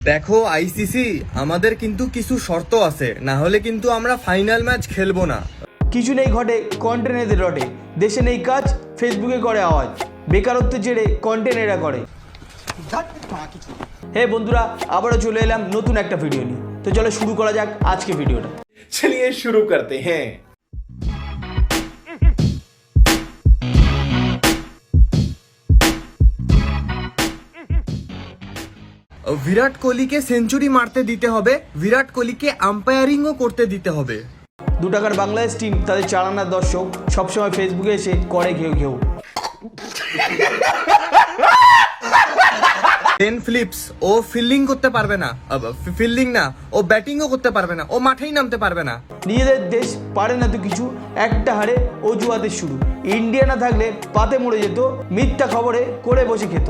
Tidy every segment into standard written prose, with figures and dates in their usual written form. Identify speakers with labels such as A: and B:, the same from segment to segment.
A: দেখো আইসিসি, আমাদের কিন্তু কিছু শর্ত আছে, না হলে কিন্তু আমরা ফাইনাল ম্যাচ খেলবো না।
B: কিছু নেই ঘটে কন্টেন্ট এদের রটে, দেশে নেই কাজ ফেসবুকে করে আওয়াজ, বেকারত্বের জেরে কন্টেন্ট এরা করে। হে বন্ধুরা, আবারও চলে এলাম নতুন একটা ভিডিও নিয়ে। তো চলো শুরু করা যাক আজকে ভিডিওটা।
C: चलिए शुरू करते हैं।
A: বিরাট কোহলিকে সেঞ্চুরি মারতে দিতে হবে, বিরাট কোহলিকে আম্পায়ারিংও করতে দিতে হবে।
B: 2 টাকার বাংলাদেশ টিম তাদের চালানার দর্শক সবসময় ফেসবুকে এসে করে ঘেউ ঘেউ।
A: টেন ফিলিপস ও ফিল্ডিং করতে পারবে না, ফিল্ডিং না, ও ব্যাটিংও করতে পারবে না, ও মাঠেই নামতে পারবে না।
B: নিজেদের দেশ পারে না তো কিছু, একটা হারে অজুহাতের শুরু। ইন্ডিয়া না থাকলে পাতে মরে যেত, মিথ্যা খবরে করে বসে খেত।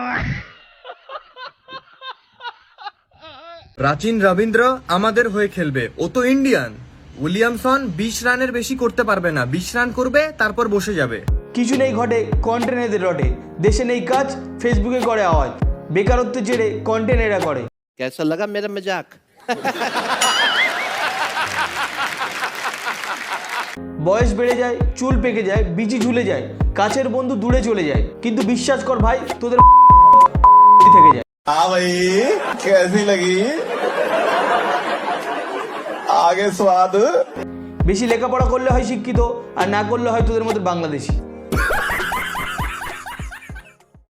A: প্রাচীন রবীন্দ্র আমাদের হয়ে খেলবে, ও তো ইন্ডিয়ান। উইলিয়ামসন 20 রানের বেশি করতে পারবে না, 20 রান করবে তারপর বসে যাবে।
B: কিছু নেই ঘটে কন্টেন্ট এদের রটে, দেশে নেই কাজ ফেসবুকে করে আওয়াজ, বেকারত্বের জেরে কন্টেন্ট এরা করে।
D: कैसा लगा मेरा मजाक?
B: বয়স বেড়ে যায়, চুল পেকে যায়, বিচি ঝুলে যায়, কাছের বন্ধু দূরে চলে যায়, কিন্তু বিশ্বাস কর ভাই তোদের থেকে যায়।
C: हाँ भाई, कैसी लगी? आगे स्वाद।
B: বেশি লেখাপড়া করলে হয় শিক্ষিত, আর না করলে হয় তোদের মতো বাংলাদেশি।